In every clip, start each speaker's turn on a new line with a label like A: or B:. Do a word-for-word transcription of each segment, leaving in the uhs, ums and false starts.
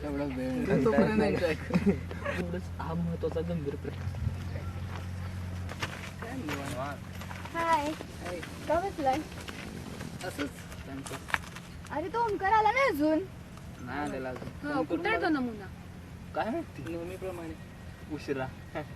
A: एवढा वेळ तोपर्यंत एन्जॉय कर. एवढंच हा महत्वाचा गंभीर प्रश्न.
B: हाय, का बसलाय?
A: असंच त्यांचं
B: अरे तो ओमकार आला नाही अजून.
A: नाही आलेला अजून.
C: हो, कुठे आहे तो नमुना?
A: काय माहिती नेहमीप्रमाणे उशिरा.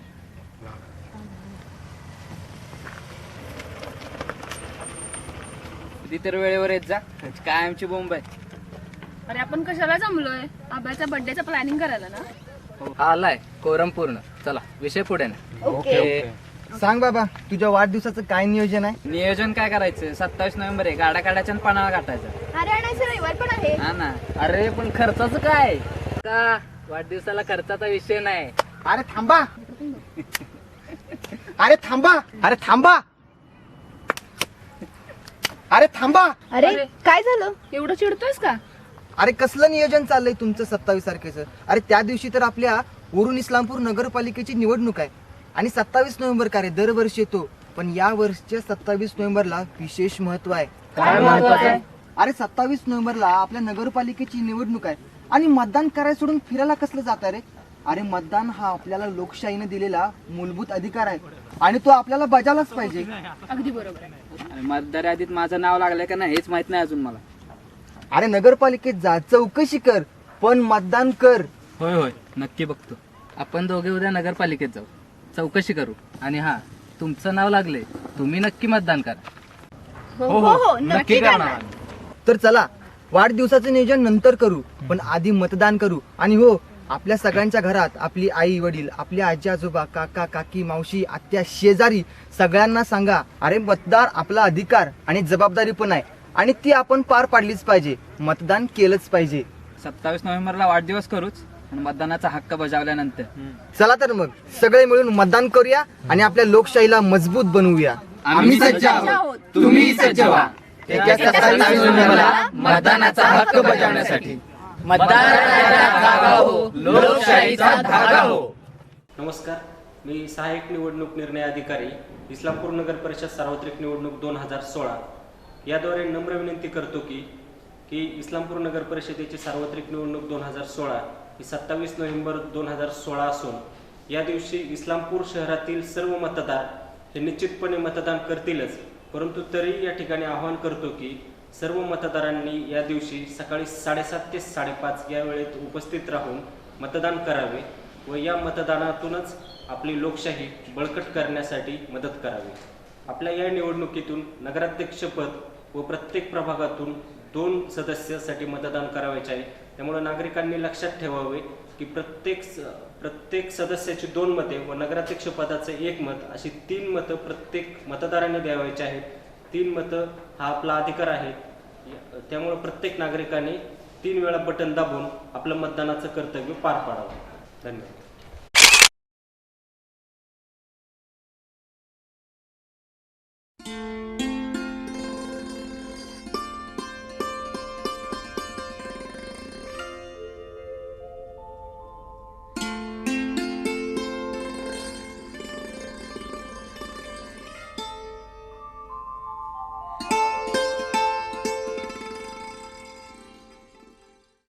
A: किती तर वेळेवर येत जा. काय आमची बोंब आहे.
C: अरे आपण कशाला जमलोय? आबाच्या बर्थडेचं प्लॅनिंग करायला ना.
A: हा आलाय कोरम पूर्ण. चला विषय पुढे ना.
B: ओके.
D: सांग बाबा, तुझ्या वाढदिवसाचं काय नियोजन आहे?
A: नियोजन काय करायचं? सत्तावीस नोव्हेंबर आहे. गाड्या काढायच्या आणि पानाला काटायचं.
B: अरे आणायचं रविवार पण आहे.
A: हा ना. अरे पण खर्चाचं काय? का वाढदिवसाला खर्चाचा विषय नाही.
D: अरे थांबा, अरे थांबा, अरे थांबा, अरे थांबा.
B: अरे काय झालं?
C: एवढं चिडतोयस का?
D: अरे कसलं नियोजन चाललंय तुमचं सत्तावीस तारखेचं? अरे त्या दिवशी तर आपल्या वरून इस्लामपूर नगरपालिकेची निवडणूक आहे आणि सत्तावीस नोव्हेंबर का रे दरवर्षी येतो, पण या वर्षीच्या सत्तावीस नोव्हेंबरला विशेष महत्व आहे.
A: काय महत्वाचं आहे?
D: अरे सत्तावीस नोव्हेंबरला आपल्या नगरपालिकेची निवडणूक आहे आणि मतदान करायला सोडून फिरायला कसलं जात रे? अरे मतदान हा आपल्याला लोकशाहीने दिलेला मूलभूत अधिकार आहे आणि तो आपल्याला बजावलाच पाहिजे.
C: अगदी बरोबर आहे.
A: मतदार यादीत माझं नाव लागलंय का नाही हेच माहित नाही अजून मला.
D: अरे नगरपालिकेत जा, चौकशी कर, पण मतदान कर.
A: होय होय नक्की बघतो. आपण दोघे उद्या नगरपालिकेत जाऊ, चौकशी करू आणि हा तुमचं नाव लागले तुम्ही नक्की मतदान करा.
B: हो हो हो नक्की करणार.
D: तर चला वाढदिवसाचं नियोजन नंतर करू, पण आधी मतदान करू. आणि हो, आपल्या सगळ्यांच्या घरात आपली आई वडील, आपले आजी आजोबा, काका काकी, मावशी, आत्या, शेजारी सगळ्यांना सांगा, अरे मतदार आपला अधिकार आणि जबाबदारी पण आहे आणि ती आपण पार पाडलीच पाहिजे. मतदान केलंच पाहिजे.
A: सत्तावीस नोव्हेंबरला वाढदिवस करूच आणि मतदानाचा हक्क बजावल्यानंतर
D: चला तर मग सगळे मिळून मतदान करूया आणि आपल्या लोकशाहीला मजबूत बनवूया.
A: आम्ही सज्ज आहोत, तुम्ही सज्ज व्हा. येत्या सत्तावीस नोव्हेंबरला मतदानाचा हक्क बजावण्यासाठी. मतदार जागा हो, लोकशाहीचा धागा हो.
E: नमस्कार, मी सहाय्यक निवडणूक निर्णय अधिकारी इस्लामपूर नगर परिषद सार्वत्रिक निवडणूक दोन हजार सोळा याद्वारे नम्र विनंती करतो की की इस्लामपूर नगर परिषदेची सार्वत्रिक निवडणूक दोन हजार सोळा ही सत्तावीस नोव्हेंबर दोन हजार सोळा असून या दिवशी इस्लामपूर शहरातील सर्व मतदार हे निश्चितपणे मतदान करतीलच, परंतु तरी या ठिकाणी आवाहन करतो की सर्व मतदारांनी या दिवशी सकाळी साडेसात ते साडेपाच या वेळेत उपस्थित राहून मतदान करावे व या मतदानातूनच आपली लोकशाही बळकट करण्यासाठी मदत करावी. आपल्या या निवडणुकीतून नगराध्यक्षपद व प्रत्येक प्रभागातून दोन सदस्यासाठी मतदान करावयाचे आहे. त्यामुळे नागरिकांनी लक्षात ठेवावे की प्रत्येक प्रत्येक सदस्याची दोन मते व नगराध्यक्ष पदाचे एक मत अशी तीन मतं प्रत्येक मतदारांनी द्यावायची आहेत. तीन मतं हा आपला अधिकार आहे. त्यामुळे प्रत्येक नागरिकाने तीन वेळा बटन दाबून आपलं मतदानाचं कर्तव्य पार पाडावं. धन्यवाद.